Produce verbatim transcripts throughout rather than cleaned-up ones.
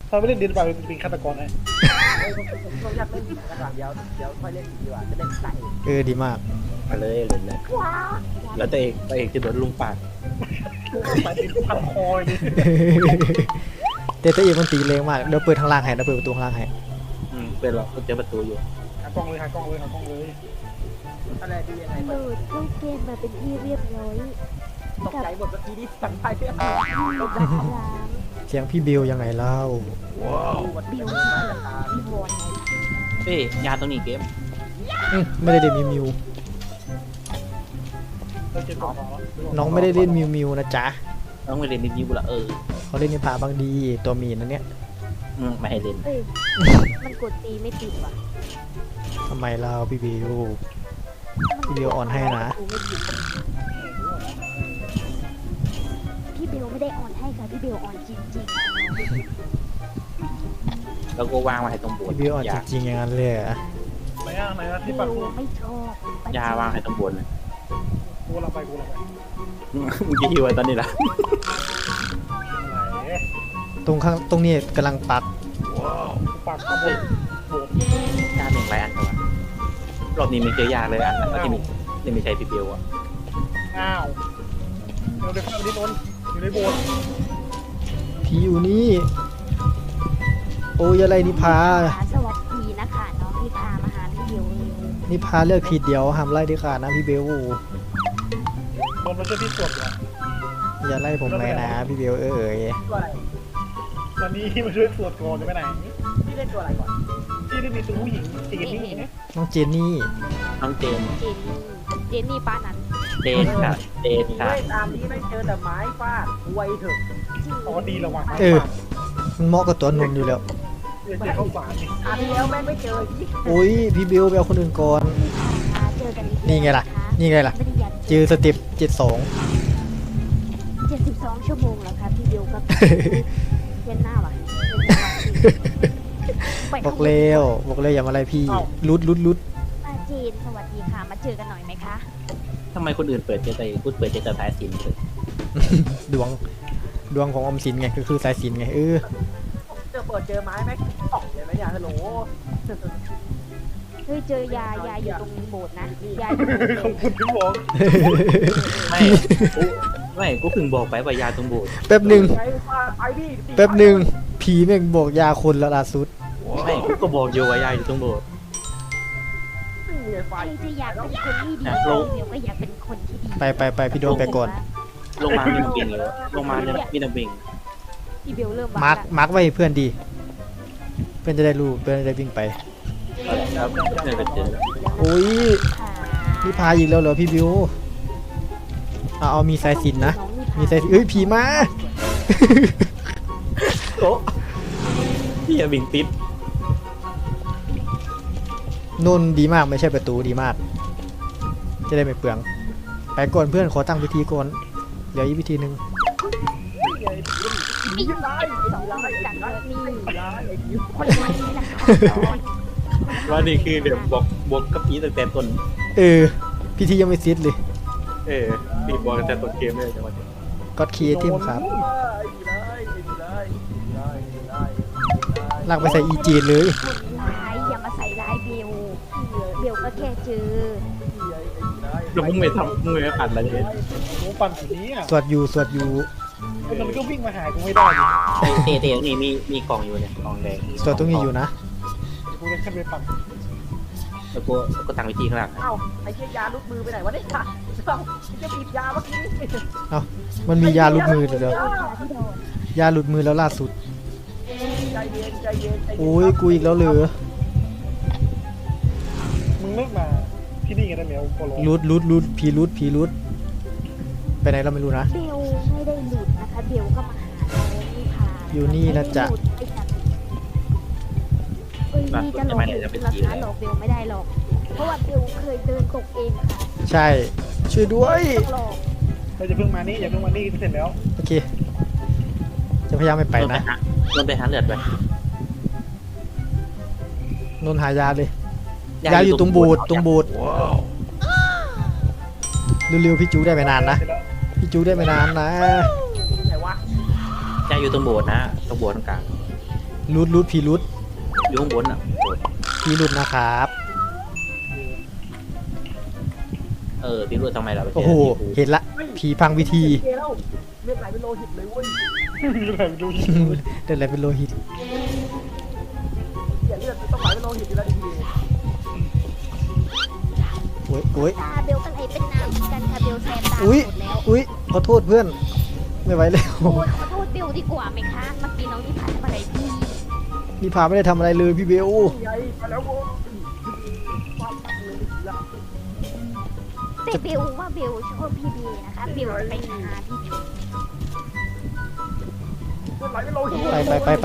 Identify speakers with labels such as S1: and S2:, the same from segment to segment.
S1: ถ้าไม่เล่นเดนบาร์เป็นฆาตกรไง
S2: ผมอยากเล่นกันก่อนเดี๋ยวเดี๋ยวค่อยเล่นดีกว่าจะเล่นใส่
S3: เออดีมาก
S4: มาเลยเลยเลยแล้วตัวเองตัวเองจะโดนลุงปาด
S1: ไปติดพันคอเลย
S3: เตะตัวเองมันตีแรงมากเดี๋ยวเปิดทางล่างให้เดี๋ยวเปิดประตูข้างล่างให้
S4: อืมเป็นหรอกเจอประตูอยู่
S1: หากล้องเลยหากล้องเลยหากล้องเลย
S2: อะไรดียังไง
S5: โหลดเข้าเกมมาเป็นที่เรียบร้อย
S2: ตกใจหมดเมื่อกี้นี่สั่งไปเรื่อง
S5: ล้าง
S3: เสียงพี่เบลยังไงเล่า
S2: บิว
S5: พี่บอลไง
S4: เอ้ยยาตรงนี้เกม
S3: อืมไม่ได้เล่นมิวมิว
S1: เราเจอก่อน
S3: น้องไม่ได้เล่นมิวมิวนะจ๊ะ
S4: น้องไปเรียนนิวละเออ
S3: เขาเล่นในป่าบางดีตัวมีนนะเนี่ย
S4: อืมไม่ให้เล่น
S5: เอ้ยมันกดตีไม่ติดว่ะ
S3: ทำไมเล่าพี่เบล พี่เบลอ่อนให้นะ
S5: พี่เบลไม่ได้อ่อนให้ค่ะพี่เบลอ่อนจริง
S4: แล้วก็วางไว้ให้ตรงโบสถ์
S3: พี่เบลอ่อน
S4: ยา
S3: จริงๆอย่างนั้นเลยเหรอ
S1: ไหนอ่ะไหนอ่ะ
S5: ๆ
S1: ที่
S5: เบ
S1: ปัก
S5: ล
S1: กู
S5: ไม่ชอบ
S4: ยาวางให้ตรงโบสถ์เลย
S1: กูเราไปกูเราไป
S4: มึงจะหิวไว้ตอนนี้ละ
S1: ไหน
S3: ตรงข้างตรงนี้กำลังปัก
S1: กูปักข้างบนโบด
S4: ยาหนึ่งไรอันตัวรอบนี้ไม่เจอยาเลยอันแล้วที่มีที่ไม่ใช่พี่เบลอ่ะ
S1: อ้าวเราเดินเข้าไปที่ต้นอยู่ในโบสถ์
S3: พี่อยู่นี่ โอ้ยอะไรนิพา
S5: สวัสดีนะคะน้องนิพามาหาพี่เบลเลย
S3: นิพาเลือกผิดเดี๋ยวห้ามไล่ดีขาดนะพี่เบล
S1: โดนมาช่วยที่สวดอยู่
S3: อย่าไล่ผมเลยนะพี่เบลเอ้ย
S2: ตัวอะไร
S1: ตอนนี้มาช่วยสวดก่อนจะไปไหน
S2: พี่เล่นตัวอะไรก่อน
S1: ที่ได้มีตัวผู้หญิงจีนนี่ไง
S3: น้องเจนนี่
S4: น้องเจน
S5: เจนนี่เจนนี่ป้านั้น
S4: เจนค่ะเจนค่ะ
S2: เล่นตามนี้ไม่เจอแต่ไม้ฟาดไวเถอะ
S1: อ๋อดีแล้วว่ะ
S3: เออ มันเหมาะกับตัวนนอยู่แล้ว
S1: เดี๋ยวเจอข้าวสารนี่
S2: ตามที่แล้วแม่งไม่เจอยี่
S3: โอ้ยพี่เบลไปเอาคนอื่นก่อน
S5: เจอกันอีก
S3: นี่ไงล่ะ นี่ไงล่ะ
S5: ไม่ได้ยัน
S3: เจอสเต็ปเจ็ดสอง
S5: เจ็ดสิบสองชั่วโมงแล้วครับพี่เบลก็เย็นหน้าว่ะ
S3: บอกเร็วบอกเร็วอย่ามาอะไรพี่รุดรุดรุด
S5: ป้าเจนสวัสดีค่ะมาเจอกันหน่อยไหมคะ
S4: ทำไมคนอื่นเปิดเจอแต่พูดเปิดเจอแต่สายสินเลย
S3: ดวงดวงของอมสินไงก็คือสายสินไงเออ
S2: เจอเปิดเจอไม้แม่งออกเลยไหมเนี่ยฮัลโหล
S5: เฮ้ยเจอยายาอยู่ตรงโบสถ์นะยาอยู่
S1: ขอบคุณที่บอก
S4: ไม่กูไม่กูเพิ่งบอกไปว่ายาตรงโบสถ์
S3: แป๊บหนึ่ง
S2: ไอ้ฟาดไอ้ดิ
S3: แป๊บหนึ่งผีแม่งบอกยาคนแล้วล่าสุด
S4: ไม่กูก็บอกอยู่ว่ายาอยู่ตรงโบสถ์
S2: นี่ไงไฟ
S5: ใครจะอยากเป็นคนที่ดี
S4: อยากลง
S5: เดี๋ยวก็อยากเป็นคนที่ดี
S3: ไปไปไปพี่โดนไปก่อน
S4: ลงมามีน้ำบิงเลยลงมาเนี่ยมีน้ำบิง
S5: พี่เบลเริ่ม
S3: มาร์คมาร์คไว้ให้เพื่อนดี เพื่อนจะได้รู้เพื่อนจะได้วิ่งไป
S4: แล้วเนี่ยไปเจอ
S3: โอ้ยพี่พาอีกแล้วเหรอพี่บิวเอาเอามีสายสินนะ มีสายสินเอ้ยผีมา
S4: โอ้พี่อย่าบิงติด
S3: นุ่นดีมากไม่ใช่ประตูดีมาก จะได้ไม่เปลือง ไปก่อนเพื่อนขอตั้งพิธีก่อนเหลืออีกพิธีหนึ่ง
S2: นี่ไงไอ้สองร้อยจังเลยนี่ร้ายไอ้ดิว
S5: คนไทยนี่แหละค่ะ
S4: ว่านี่คือเดี๋ยวบอกบอกกับพีตั้งแต่ต้น
S3: เออ พิธียังไม่เสร็จเลย
S4: เออพีบอกตั้งแต่ต้นเกมเลยจังหวะนี้
S3: ก็คีย์ทีมครับ
S2: ไอ้ดีเลยไอ้ดีเลยไอ้ดีเลยไอ้ดีเลย
S3: ลากไปใส่อีจีนเลย
S5: คนร้ายอย่ามาใส่ร้ายเบลเบลก็แค่เจอ
S4: แล้วมึงไม่ทำมึงไม่ปั่นอะไรเลย
S1: หนูปั่นสีนี้อ่ะ
S3: สวดอยู่สวดอยู่
S1: มันก็วิ่งมาหากูไม่ได้ดิ
S4: เตะเตะนี่มีมีกล่องอยู่เนี่ยกล่องแดง
S3: สวดตรงนี้อยู่นะ
S1: กูเลยขึ้นไปปั่น
S4: แล้วก็ก็ตั้งวิธีข้างหลัง
S2: เอ้าไอ้เชี่ยยาลุกมือไปไหนวะเนี่ยเอ้าจะบีบยาเมื่อกี้
S3: มันมียาหลุดมือเดี๋ยว
S5: ที่โดน
S3: ยาหลุดมือแล้วล่าสุด
S2: ใจเย็นใจเย็นใจเย็น
S3: โอ้ยกูอีกแล้วเหรอ
S1: มึงเลิกมาที่นี่กันได้ไหมเอาโคโล
S3: รุดรุดรุดผีรุดผีรุดไปไหนเราไม่รู้นะ
S5: เบลไม่ได้หลุดนะคะเบลก็มาหาน้องนิพา
S3: อยู่นี่นะจ๊ะ
S5: เอ้ยนี่จะหลอกเบลนะคะหลอกเบลไม่ได้หรอก เพราะว่าเบลเคยเดินตกเองค่ะ
S3: ใช่ ช่วยด้วย
S5: ต้องหลอก
S1: เราจะเพิ่งมานี่อย่าเพิ่งมานี่เสร็จแล้ว
S3: โอเค จะพยายามไม่ไปนะ
S4: โดนไปหาเลือดไป
S3: นนหายาเลย ยาอยู่ตรงโบูดตรงโบูดเร็วๆพี่จูได้ไม่นานนะ พี่จูได้ไม่นานนะ
S2: ไหนวะ
S4: ยาอยู่ตรงโบสถ์นะตรงโบสถ์ตรงกลาง
S3: รูดรูดพีรูด
S4: อยู่ข้างบนอ่ะ
S3: พีรูดนะครับ
S4: เออพี่รู้ทำไมเราไป
S3: โอ้โหเห็นละผีพังวิธี
S2: เกแล้วเลือดไหลเป็นโลหิตเลยเว้ย
S1: มีอะไรดู
S3: เดินอะไรเป็นโลหิต
S2: เสียเลือดต้องไหลเป็นโลหิตอยู่แล้วดี
S3: โอ้ยโอ้ย
S5: ตาเบลก็เลยเป็นน้ำกันค่ะเบลแซมตาหม
S3: อุ้ย
S5: ดแล้ว
S3: อุ้ยขอโทษเพื่อนไม่ไหวแล้ว
S5: โอ้ยขอโทษเบลดีกว่าไหมคะเมื่อกี้น้องที่ผ่านมาอะไรพี่
S3: นี่พาไม่ได้ทำอะไรเลยพี่เบล
S2: ๆใหญ่มาแล้วโว้ยความตักเลยละ
S5: แต่เบลว่าเบลชอบพี่เบลนะคะเบลจะไปหาพี่เบล
S2: เลือดไหลเป็นโลหิต
S3: ไปไปไปไป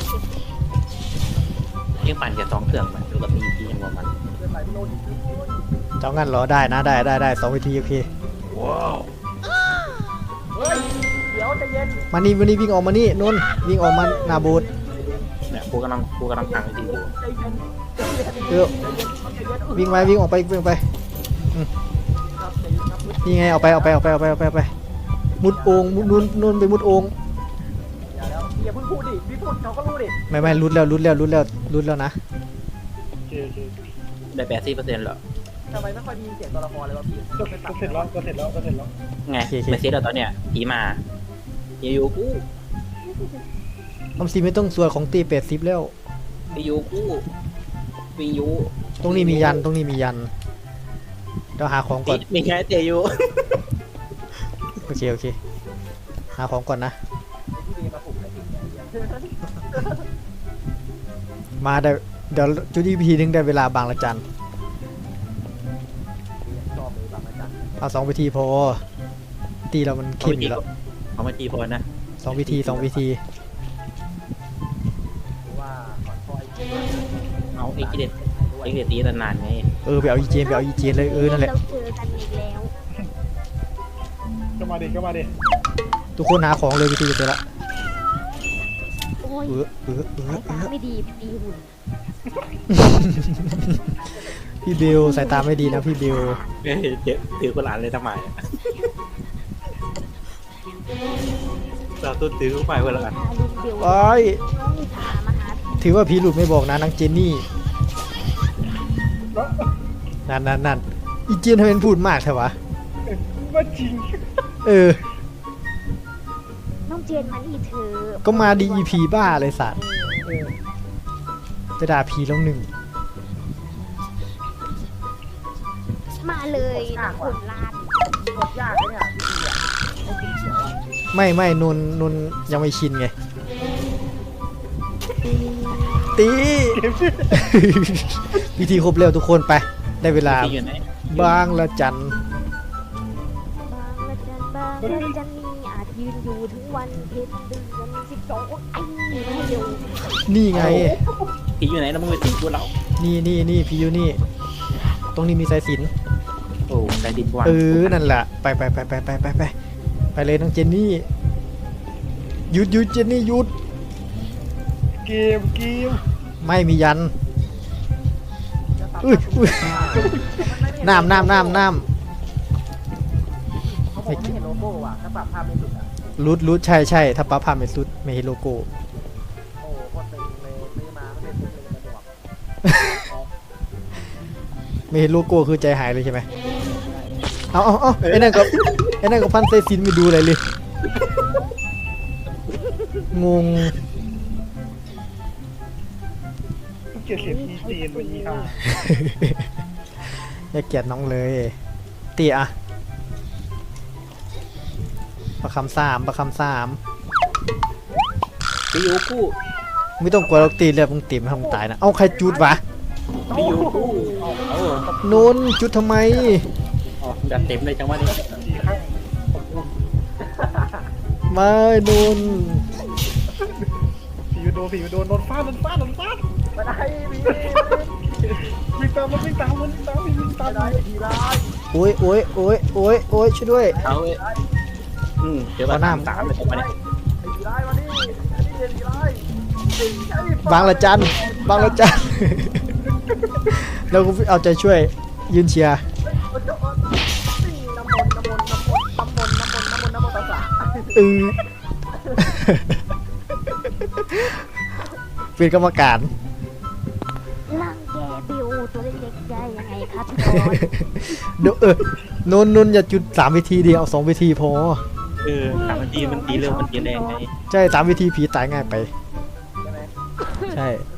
S4: ยังปั่นแค่สองเครื่องมันดูกับมีพียังว่ามัน
S2: เลือดไหลเป็นโลหิตเลย
S3: เจ้างั้นเหรอได้นะได้ได้ได้สองวิธีโอเค
S2: เฮ้ยเดี๋ยวใจเย็น
S3: มานี่วันนี้วิ่งออกมานี่นนท์วิ่งออกมาหนาโบูด
S4: เนี่ยกูกำลังกูกำลังพังวิธีอยู่
S2: ใจเย็นใจเย็น
S3: เออ
S2: ใจเย็น
S3: วิ่งไปวิ่งออกไปวิ่งไป
S2: ครับใจเย็นครับ
S3: นี่ไงเอาไปเอาไปเอาไปเอาไปเอาไปเอาไปมุดโอ่งมุดนุ่นนุ่นไปมุดโอ่ง
S2: อย่าแล้วอย่าเพิ่งพูดดิพี่พูดเขาก็รู้ดิ
S3: ไม่ไม่รุดแล้วรุดแล้วรุดแล้วรุดแล้วนะ
S1: โอเคโอเค
S4: ได้แปดสิบเปอร์เซ็นต์เหรอ
S2: ทำไมไม่ค่อยมีเสียงตัวละครเลยวะพี่
S1: ก็ก็เสร็จแล้วก็เสร็จแล้วก็เสร็จแล้ว
S4: ไงไม่เซ็ตแล้วตอนเนี้ยผีมาผีอยู่กู
S3: ออมสินไม่ต้องส่วนของตีเป็ดซิปแล้ว
S4: ผีอยู่กูผีอยู่
S3: ตรงนี้มียันตรงนี้มียันเดี๋ยวหาของก่อน
S4: มีแค่เตอยู่
S3: โอเคโอเคหาของก่อนนะ
S2: พี่เดมาปลุกอะไรอีกเนี่ย
S3: มาได้เดี๋ยวจุดอีพีนึงได้เวลาบางละจัน
S2: ชอบเลยบางอาจารย์
S3: เอาสองวิธีพอตีเรามันเข้มอยู่แล้ว
S4: เอามาทีพอนะ
S3: สองวิธีสองวิธี
S2: หรือว่าขอนคอย
S4: เอาไอ้กิเลสไอ้กิเลสตีนานๆไง
S3: เออไปเอาอีเจนไปเอาอีเจนเลยเออนั่นแหละ
S5: เราเจอกันอีกแล้ว
S1: ก็มาดิก็มาดิ
S3: ทุกคนหาของเลยวิธีเจอละ
S5: โอ้ย
S3: เออเออเออ
S5: สาย
S3: เอ
S5: ตา
S3: อ
S5: ไม่ดีตีหุ่น
S3: พี่เบลสายตาไม่ดีนะพี่เบล
S4: เฮ้ยเจ็บถือกุหลาบเลยทำไมเราต้นถือไปเวลา
S5: พาลุงเบล
S3: ไอ้ย
S5: น้องนิทามาหาพี่
S3: ถือว่าพี่หลุดไม่บอกนะนางเจนนี่นั่นนั่นนั่นอีเจนทำเป็นพูดมากใช่วะ
S1: ว่าจริง
S3: เออ
S5: น้องเจนมานี่เธอ
S3: ก็มาดีอีพีบ้าเลยสัตว์จะด่าพีแล้วหนึ่ง
S5: มาเลยนะคนลาด
S2: กดยากเลยเนี่ยพี่ดีอ่ะไอ้กินเขียวอ่ะ
S3: ไม่ไม่นนนนยังไม่ชินไงตี วิธีครบเร็วทุกคนไป ได้เวลา
S4: ที่อยู่ไหน
S3: บางละจัน
S5: บางละจันบางละจันนี่อาจยืนอยู่ถึงวันเพ็ญเดือนสิบสองไอ้นี่ให้เร็ว
S3: นี่ไง
S4: ผีอยู่ไหนแล้วมึงไปตีกูเรา
S3: นี่นี่นี่พี่อยู่นี่ ตรงนี้มีสายสิญจน
S4: โอ้ใจดินกว้าง
S3: เออนั่นแหละไปไปไปไปไปไปไปไปเลยน้องเจนนี่หยุดหยุดเจนนี่หยุด
S1: เกมเกม
S3: ไม่มียันอุ้ยอุ้ยน้ำน้ำน้ำน้
S2: เขาบอกไม่เห็นโลโก้ว่ะถ้าปรับภาพไม่สุดอ่ะ
S3: ำรุดรุดใช่ใช่ถ้าป้าพาไม่สุดไม่เห็นโลโก้
S2: โอ้โคตรตึงเลยซื้อมาไม่เป็นเลยกระบอก
S3: ไม่เห็นโลโก้คือใจหายเลยใช่ไหมเอาเอาเอาไอ้นั่นกับไอ้นั่นกับพันเซซินไม่ดูอะไรเลยงง
S1: เกลียดเสียงอีจีนไปอีห่า
S3: อย่าเกลียดน้องเลยเตียอะประคำสามประคำสาม
S4: ผีอยู่กู
S3: ไม่ต้องกลัวเราตีเลือดมึงตีมันทำตายนะเอาใครจุดวะ
S4: ผีอยู่กูเออน
S3: นจุดทำไม
S4: อ๋อดัดเต็มเลยจังวะนี่
S1: อีกครั้งขอบคุณ
S3: ไม่นน
S1: ผีโดนผีโดนโดนฟาดโดนฟาดโดนฟาด
S2: ไม่ได้พี่
S1: วิ่งตามมันวิ่งตามมันวิ่งตามมันวิ่งตาม
S2: ไม่
S1: มัน
S2: ได้ทีร้าย
S3: โอ้ยโอ้ยโอ้ยโอ้ยโอ้ยช่วยด้วย
S4: เอาเว้ยอืมเดี๋ยวมาตามสามเลยจังวะนี่
S2: ไอ้ทีร้ายมานี่ไอ้นี่ทีร้าย
S3: บางละจันบางละจัน เราก็เอาใจช่วยยืนเชียร์
S2: น้ำมนต์น้ำมนต์น้ำมนต์น้ำมนต์น้ำมนต์น้ำมนต์น้ำมนต์ตาสา
S3: เออเป็นกรรมการ
S5: ร่างแกบิวตัวเล็กๆได้ยังไงครับพี่บอล
S3: เดี๋ยวเออนุ่นนุ่นอย่าจุดสามวิธีเดียวเอาสองวิธีพอ
S4: เออสามนาทีมันตีเร็วมันตีแรงไง
S3: ใช่สามวิธีผีตายง่ายไป
S2: ใช่ไหม
S3: ใช่
S2: เอ